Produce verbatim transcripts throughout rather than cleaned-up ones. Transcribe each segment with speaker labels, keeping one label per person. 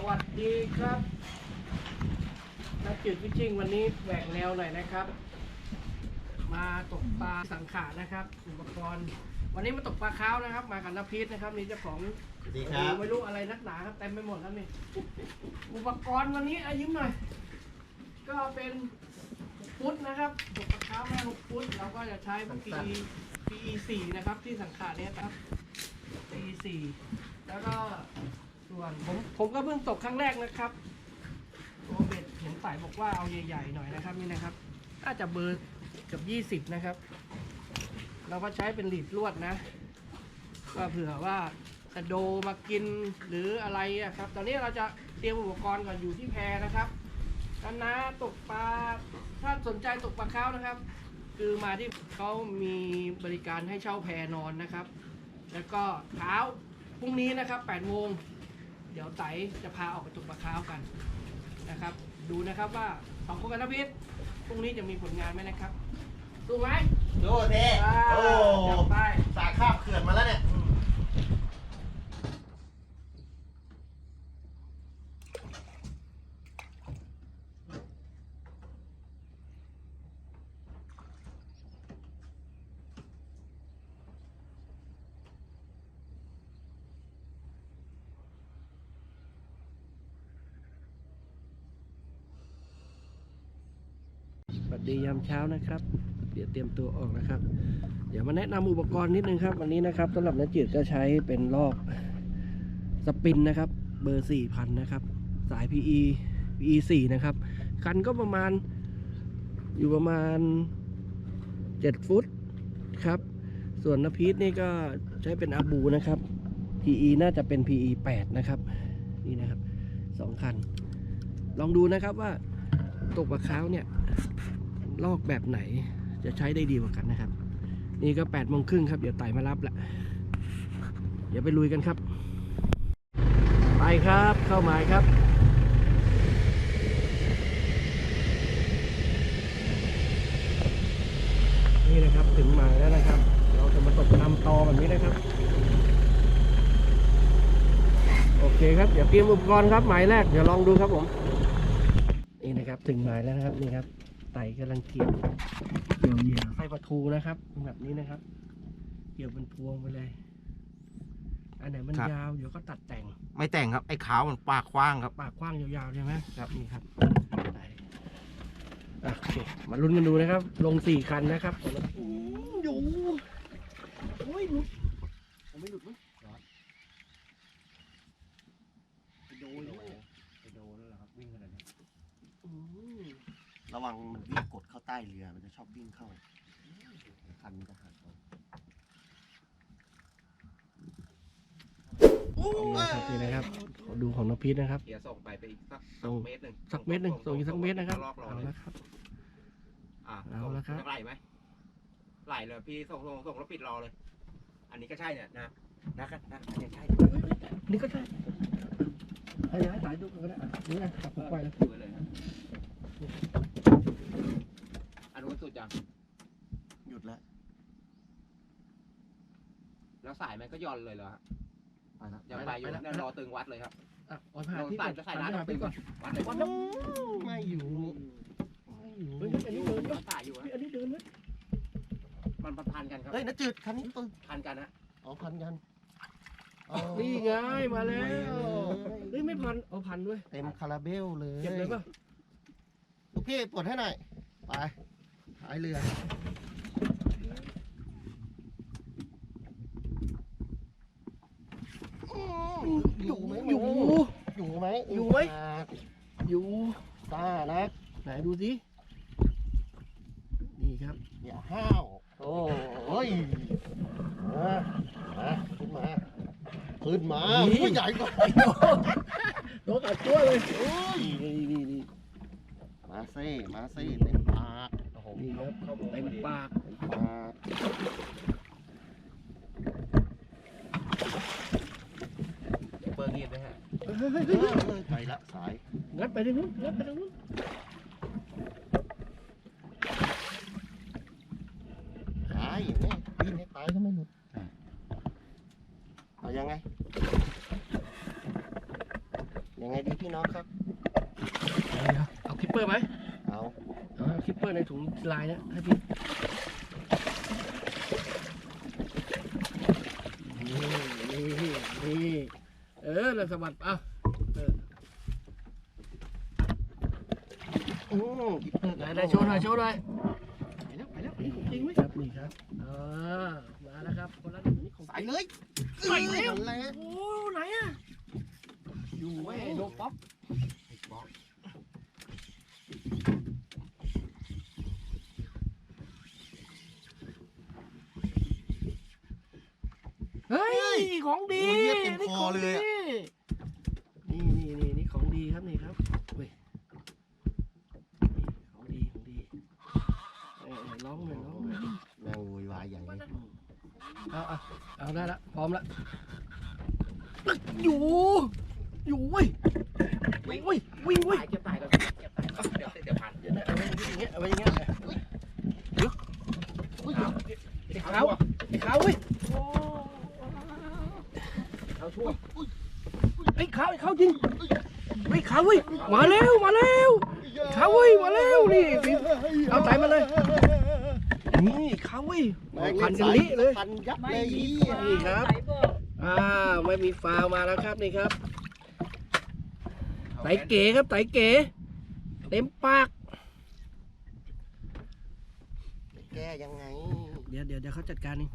Speaker 1: วัสดีครับนักจืดฟิชชิ่งวันนี้แหวกแนวหน่อยนะครับมาตกปลาสังขารนะครับอุปกรณ์วันนี้มาตกปลาค้าวนะครับมากับน้ำพีชนะครับนี่เจ้าของ
Speaker 2: ดีครับ
Speaker 1: ไม่รู้อะไรนักหนาครับเต็มไปหมดครับนี่อุปกรณ์วันนี้อายิ้มหน่อยก็เป็นฟุตนะครับตกปลาค้าวแม่หกฟุตเราก็จะใช้ปี ปี สี่นะครับที่สังขารเนี่ยครับ ปี สี่แล้วก็ส่วนผมผมก็เพิ่งตกครั้งแรกนะครับตัวเบ็ดเห็นสายบอกว่าเอาใหญ่ๆหน่อยนะครับนี่นะครับน่าจะเบอร์เกือบยี่สิบนะครับเราก็ใช้เป็นหลีดลวดนะก็เผื่อว่าจะโดมากินหรืออะไรอะครับตอนนี้เราจะเตรียมอุปกรณ์ก่อนอยู่ที่แพนะครับกันนะตกปลาถ้าสนใจตกปลาค้าวนะครับคือมาที่เขามีบริการให้เช่าแพนอนนะครับแล้วก็เช้าพรุ่งนี้นะครับแปดโมงเดี๋ยวไตจะพาออกไปตกปลาค้าวกันนะครับดูนะครับว่าสองคนกันนะพีทพรุ่งนี้จะมีผลงานไหมนะครับสู้ไหม
Speaker 2: ดูเท่โอ้
Speaker 1: ไป
Speaker 2: สายข้ามเขื่อนมาแล้วเนี่ย
Speaker 1: สวัสดียามเช้านะครับเดี๋ยวเตรียมตัวออกนะครับเดี๋ยวมาแนะนำอุปกรณ์นิดนึงครับวันนี้นะครับสำหรับนักจืดก็ใช้เป็นลอกสปินนะครับเบอร์ สี่พัน นะครับสาย พี อี พี อี สี่ นะครับคันก็ประมาณอยู่ประมาณเจ็ดฟุตครับส่วนนพีทนี่ก็ใช้เป็นอาบูนะครับ พี อี น่าจะเป็น พี อี แปด นะครับนี่นะครับสองคันลองดูนะครับว่าตกปลาค้าวเนี่ยลอกแบบไหนจะใช้ได้ดีกว่ากันนะครับนี่ก็แปดโมงครึ่งครับเดี๋ยวไต่มารับละเดี๋ยวไปลุยกันครับไปครับเข้าหมายครับนี่นะครับถึงหมายแล้วนะครับเราจะมาตกตามตอแบบนี้นะครับโอเคครับเดี๋ยวเตรียมอุปกรณ์ครับหมายแรกเดี๋ยวลองดูครับผมนี่นะครับถึงหมายแล้วนะครับนี่ครับไต่กำลังเกี่ยวเกี่ยวเหยื่อไส้ปลาทูนะครับแบบนี้นะครับเกี่ยวเป็นพวงไปเลยอันไหนมันยาวเดี๋ยวก็ตัดแต่ง
Speaker 2: ไม่แต่งครับไอ้ขาวมันปากกว้างครับ
Speaker 1: ปากกว้างยาวๆใช่ไหมครับนี่ครับไต่โอเคมาลุ้นกันดูนะครับลงสี่คันนะครับอยู่โอ้ยหลุดผมไม่หลุดมั้ยไปโดนแล้วไปโดนแล้วครับวิ่งขนาดนี้
Speaker 2: ระวังมันวิ่งกดเข้าใต้เรือมันจะชอบวิ่งเข้าคันมันจะหักเอา
Speaker 1: นี่นะครับขอดูของน้องพีทนะครับ
Speaker 3: เดี๋ยวส่งไปไปอีกสักเมตรหนึ่ง
Speaker 1: สักเมตรหนึ่งส่งอีกสักเมตรนะครับเอาละครับ
Speaker 3: อ่า
Speaker 1: เอาละครับ
Speaker 3: ไหลไหมไหลเลยพี่ส่งส่งส่งแล้วปิดรอเลยอันนี้ก็ใช่เนี่ยนะนะครับนะอันนี้ใช่
Speaker 1: นี่ก็ใช่ให้ให้สายดูกันก็ได้นี่นะตัดผมไปแล้ว
Speaker 3: อันนู้นสุดยัง
Speaker 2: หยุดแล้ว
Speaker 3: แล้วสายมันก็ย่อนเลยเหรอฮะยังไปอยู่นั่นรอตึงวัดเลยครับ
Speaker 1: อ่ะอ่อนผ่านที่จะ
Speaker 3: ใส่น้ำตึงก่อนวัดเลยวัด
Speaker 1: ไม่อยู่ไม่อยู่เฮ้ยอันนี้เดินด้วยสายอยู่อันนี้เดินด้วย
Speaker 3: มันพันกันครับ
Speaker 2: เฮ้ยนักจืดคันนี้ตึง
Speaker 3: พันกันนะ
Speaker 2: อ๋อพันกัน
Speaker 1: นี่ไงมาแล้วเฮ้ยไม่พันเอาพันด้วย
Speaker 2: เต็มคาราเบลเลย
Speaker 1: เก็บเลยป่ะ
Speaker 2: ลูกพี่ปลดให้หน่อยไปหายเรืออยู่ไหมอยู่อยู่ไหม
Speaker 1: อยู่ไหมอยู่
Speaker 2: ตานะ
Speaker 1: ไหนดูสินี่ครับ
Speaker 2: อย่าห้าวโอ้ยมามาขึ้นมาขึ้นมาผู้ใหญ่กว่า
Speaker 1: โดนตัดตัวเลยโอ้ยนี่นี่นี่
Speaker 2: มาเซ่มาเซ่เต็มปาก
Speaker 1: นี่ครับเต็มปาก
Speaker 2: ปาก
Speaker 3: เปิดเงียบเลยฮะ
Speaker 2: ไปละสาย
Speaker 1: งัดไปทางนู้นงัดไปทางนู้น
Speaker 2: ตายอย่างนี้ปีนให้ตายก็ไม่หลุดเอายังไงยังไงดีพี่น้องครับ
Speaker 1: เดี๋ยวเอาคิปเปอร์ไหม
Speaker 2: เอา
Speaker 1: เอาคิปเปอร์ในถุงลายนะให้พี่นี่นี่นี่เออแล้วสะบัดเอาเออ
Speaker 2: อืมกิ๊บเตอร์
Speaker 1: ไหนไหนโชว์หน่อยโชว์หน่อย
Speaker 2: ไปแล้วไปแล้วนี่ของจ
Speaker 1: จ
Speaker 2: ริ
Speaker 1: ริ
Speaker 2: ง
Speaker 1: ง
Speaker 2: ไห
Speaker 1: ไห
Speaker 2: ม
Speaker 1: มครับนี่ครับอ่ามาแล้วครับคนละหนึ่งนี่ของ
Speaker 2: ใส่เลย
Speaker 1: ใส่แล้ว
Speaker 2: นั่นแหละ
Speaker 1: โอ้ไหนอะอยู่ไว้ยโดป๊อป
Speaker 2: ไอ้บอก
Speaker 1: เฮ้ยของดี
Speaker 2: โอ้ยเลือดเต็มคอเลยอะ
Speaker 1: นี่นี่นี่นี่ของดีครับนี่ครับเว้ยของดีของดีเออเออร้องหน่อยร้องหน่อย
Speaker 2: นั่งโวยวายใหญ่เลย
Speaker 1: เอาเอาเอาได้ละพร้อมละอยู่อยู่เว้ยวิ่งเว้ยวิ่งเว้ย
Speaker 3: ตายเก็บตายก่อนเก็บตายก่อนเดี๋ยวเดี๋ยวพัน
Speaker 1: เดี๋ยวนะเอาไว้อย่างเงี้ยเอาไว้อย่างเงี้ยเดี๋ยวไอ้ขาวไอ้ขาวเว้ย
Speaker 3: เอาช่วย
Speaker 1: ไอ้ขาวไอ้ขาวจริงไอ้ขาวเว้ยมาแล้วมาแล้วขาวเว้ยมาแล้วนี่เอาใจมาเลยนี่ขาวเว้ยพันกันลิเลย
Speaker 2: พันยับเลยอี
Speaker 1: นี่ครับอ่าไม่มีฟาวมาแล้วครับนี่ครับไตเก๋ครับไตเก๋เต็มปาก
Speaker 2: แกยังไง
Speaker 1: เดี๋ยวเดี๋ยวเดี๋ยวเขาจัดการเอง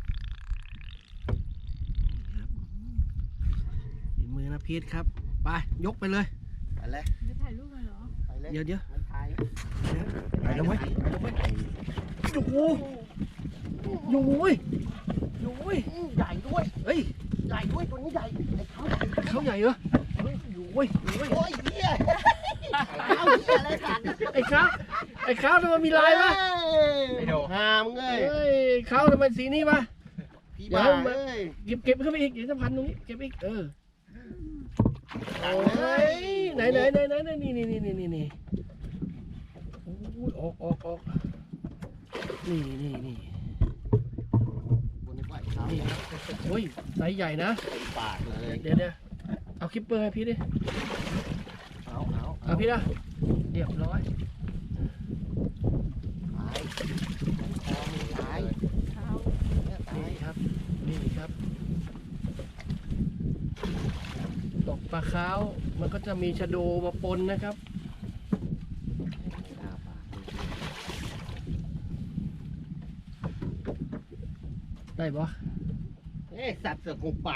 Speaker 1: ครับฝีมือนะพีทครับไปยกไปเลย
Speaker 2: ไปเลย
Speaker 4: จะถ่ายรูปเลยเหรอ
Speaker 2: ไปเลย
Speaker 1: เดี๋ยวเดี๋ยว
Speaker 2: มันถ่าย
Speaker 1: ไปแล้วเว้ยไปแล้วเว้ยอยู่อยู่เว้ยอยู่เว้ย
Speaker 2: ใหญ่ด้วย
Speaker 1: เฮ้ย
Speaker 2: ใหญ่ด้วยตัวนี้ใหญ่ไอ้เขา
Speaker 1: เขาใหญ่เหรออยู่เว้ยอยู่เว้ย
Speaker 2: โอ้ยเหี้ยเอาเหี้ยอะไรกัน
Speaker 1: ไอ้ข้าวไอ้ข้าวทำไมมีลายวะ
Speaker 3: ไม่โด
Speaker 2: หามเงย
Speaker 1: เฮ้ยข้าวทำไมสีนี้วะ
Speaker 2: พี่บ้าเอ้ย
Speaker 1: เก็บเก็บขึ้นไปอีกเดี๋ยวจะพันตรงนี้เก็บอีกเออ
Speaker 2: ดัง
Speaker 1: โอ้
Speaker 2: เลย
Speaker 1: ไหนไหนไหนไหนไหนนี่นี่นี่นี่นี่นี่โอ้ยออกออกออกนี่นี่นี่
Speaker 2: บนนี้ไหวเขา
Speaker 1: นี่ครับโอ้ยไซส์ใหญ่นะ
Speaker 2: ปากเลย
Speaker 1: เดี๋ยวเดี๋ยวเอาคิปเปอร์ให้พี่ดิ
Speaker 2: เอาเอา
Speaker 1: เอาพี่ละเรียบร้อย
Speaker 2: ตายคอมีตาย
Speaker 4: เท้า
Speaker 2: เนี่ยตาย
Speaker 1: นี่ครับนี่ครับตกปลาขาวมันก็จะมีชะโดมาปนนะครับ
Speaker 2: อ้าปาก
Speaker 1: ได้ปะ
Speaker 2: เอ๊ะสัตว์เสือกคงปาก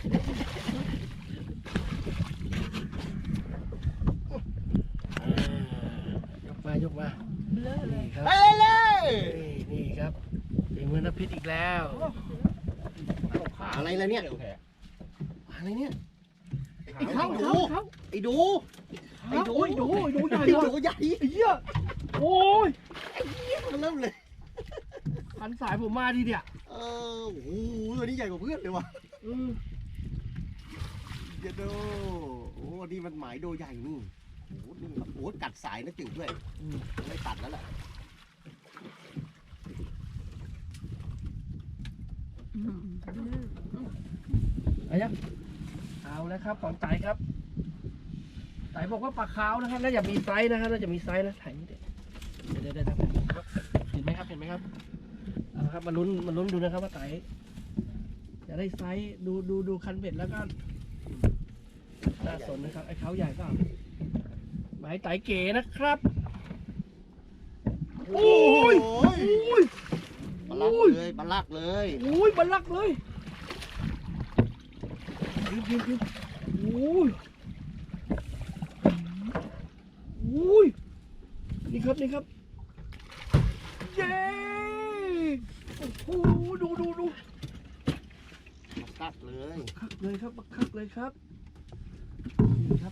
Speaker 1: ยกมายกมา
Speaker 4: เลอะเลย
Speaker 1: นี่ครับ
Speaker 2: ไปเลย
Speaker 1: นี่นี่ครับฝีมือน้ำพิษอีกแล้ว
Speaker 2: ปากอะไรล่ะเนี่ย
Speaker 3: เร็วแท้
Speaker 2: ปากอะไรเนี่ย
Speaker 1: ไอ้เขา
Speaker 2: ไอ้ดู
Speaker 1: เขา
Speaker 2: ไอ้ดู
Speaker 1: ไอ้ดูไอ้ดูไอ้ดูใหญ่
Speaker 2: ไอ้
Speaker 1: เลย
Speaker 2: ดูใหญ่
Speaker 1: ไอ้เหี้ยโอ้ย
Speaker 2: มันเริ่มเลย
Speaker 1: พันสายผมมาทีเดียว
Speaker 2: เออโอ้โหตัวนี้ใหญ่กว่าเพื่อนเลยว่ะ
Speaker 1: อืม
Speaker 2: เดี๋ยวดูโอ้นี่มันหมายโดใหญ่นี่โอ้โหนี่โอ้โหกัดสายนะจืดด้วย
Speaker 1: อืม
Speaker 2: ไม่ตัดแล้วแหละ
Speaker 4: อืมเลอะ
Speaker 1: เอายังเอาแล้วครับของไต่ครับไต่บอกว่าปลาขาวนะครับน่าจะมีไซส์นะครับน่าจะมีไซส์นะถ่ายนี่เดี๋ยวเดี๋ยวเดี๋ยวเดี๋ยวเห็นไหมครับเห็นไหมครับเอาละครับมาลุ้นมาลุ้นดูนะครับว่าไต่จะได้ไซส์ดูดูดูคันเบ็ดแล้วก็น่าสนนะครับไอ้เขาใหญ่เปล่าหมายไต่เก๋นะครับโอ้ย
Speaker 2: โอ้ย
Speaker 1: โอ้ย
Speaker 2: ปลาลักเลยปลาลักเลย
Speaker 1: โอ้ยบัลลักเลยยิบยิบยิบโอ้ยโอ้ยนี่ครับนี่ครับเย้โอ้โหดูดูดู
Speaker 2: ตัดเลย
Speaker 1: คักเลยครับคักเลยครับนี่ครับ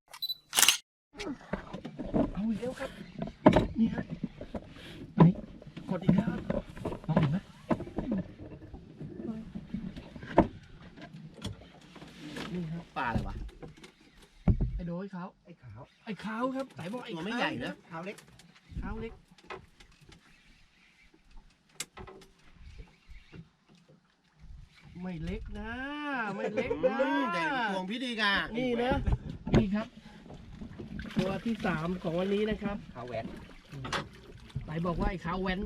Speaker 1: เอาอีกแล้วครับนี่ครับไหนกดอีกแล้วมองเห็นไหมนี่ครับ
Speaker 2: ปลาอะไรวะ
Speaker 1: ไอ้โดยเขา
Speaker 2: ไอ้ขาว
Speaker 1: ไอ้ขาวครับไต่บอกไอ้
Speaker 2: ตัวไม่ใหญ่นะขาวเล็ก
Speaker 1: ขาวเล็กไม่เล็กนะไม่เล็กนะ
Speaker 2: อืมใหญ่กว่าพวงพี่ดีกา
Speaker 1: นี่นะนี่ครับตัวที่สามของวันนี้นะครับ
Speaker 3: ข้าวแหวน
Speaker 1: ไหนบอกว่าไอ้ขาวแว้น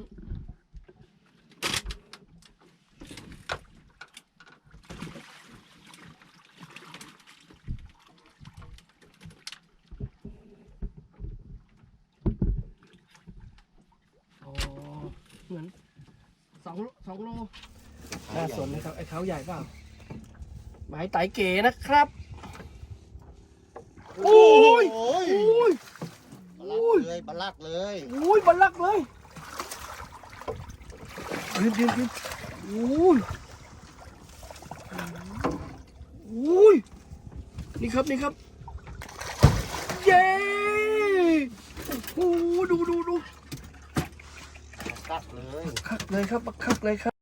Speaker 1: อ๋อเหมือนสองสองโลน่าสนนะครับไอ้เขาใหญ่เปล่าหมายไตเก๋นะครับโอ้ย
Speaker 2: โอ้ย
Speaker 1: โอ้ย
Speaker 2: บลักเลยบลักเลย
Speaker 1: โอ้ยบันลักเลยยืนยืนยืนโอ้ยโอ้ยนี่ครับนี่ครับเย้โอ้โหดูดูดู
Speaker 2: บลักเลย
Speaker 1: คักเลยครับคักเลยครับ